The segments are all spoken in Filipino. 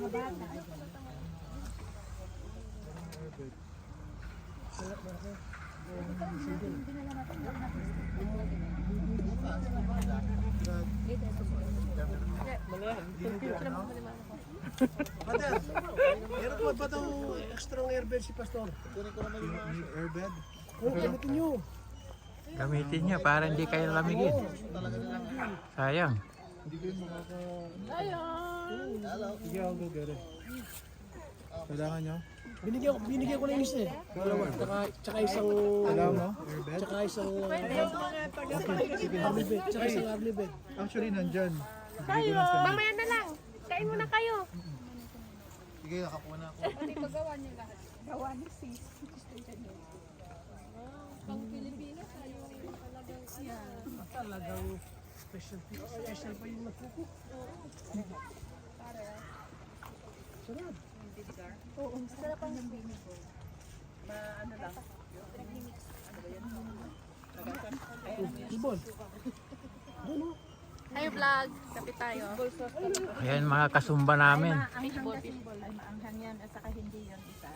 Brother, meron po ba itong extra airbed si Pastor? Airbed? Oo, gamitin nyo. Gamitin niya para hindi kayo lamigin. Sayang. Sige, I'll go get it. Kailangan nyo? Binigyan ko na yung isa eh. Tsaka isang... Kailangan mo? Airbed? Tsaka isang... army bed. Tsaka isang army bed. Actually, nandyan. Kayo, mamaya na lang. Kain muna kayo. Sige, nakakuha na ako. Ano ito gawa niyo lahat? Gawa ni sis. Pang Pilipinas, ayaw talagang Talagang special pa yung nagkukuk. Sarap. Oo, sarap ang bini ko. Ano lang? Ibon. Doon o. Hi vlog, kapit tayo. Ayan mga kasumba namin. Maanghang kasi, ay maanghang yan at saka hindi yan isa.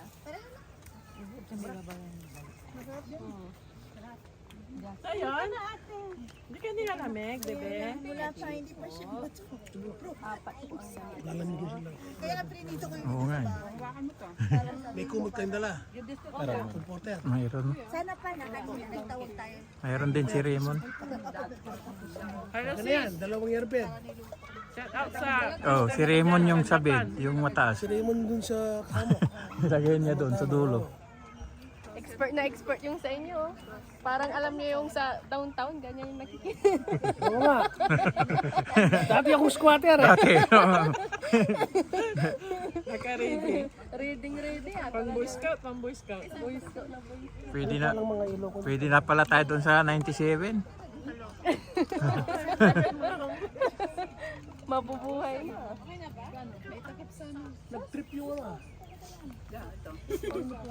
Ayun. Hindi ka nilalamig, bebe. Wala pa, hindi pa siya. Apat po ang yan. Lalamigin sila. Kaya na prinito ko Oo nga. May kumot kayong dala. Comforter. Mayroon. Sana pa nagtawag tayo. Mayroon din si Raymond. Hello Ano sis. yan? Dalawang airbed. Shout out sa... Oh, si Raymond yung sabid, yung mataas. Si Raymond dun sa kamo. Ilagay niya doon sa dulo. Expert na expert yung sa inyo. Oh. Parang alam niyo yung sa downtown, ganyan yung nakikita. Oo nga. Dati akong squatter eh. Dati, Naka-ready. Ready ah. Pang Boy Scout, pang Boy Scout. Boy Scout na boy. pwede na pala tayo doon sa 97. Mabubuhay na. Nag-trip yung ano.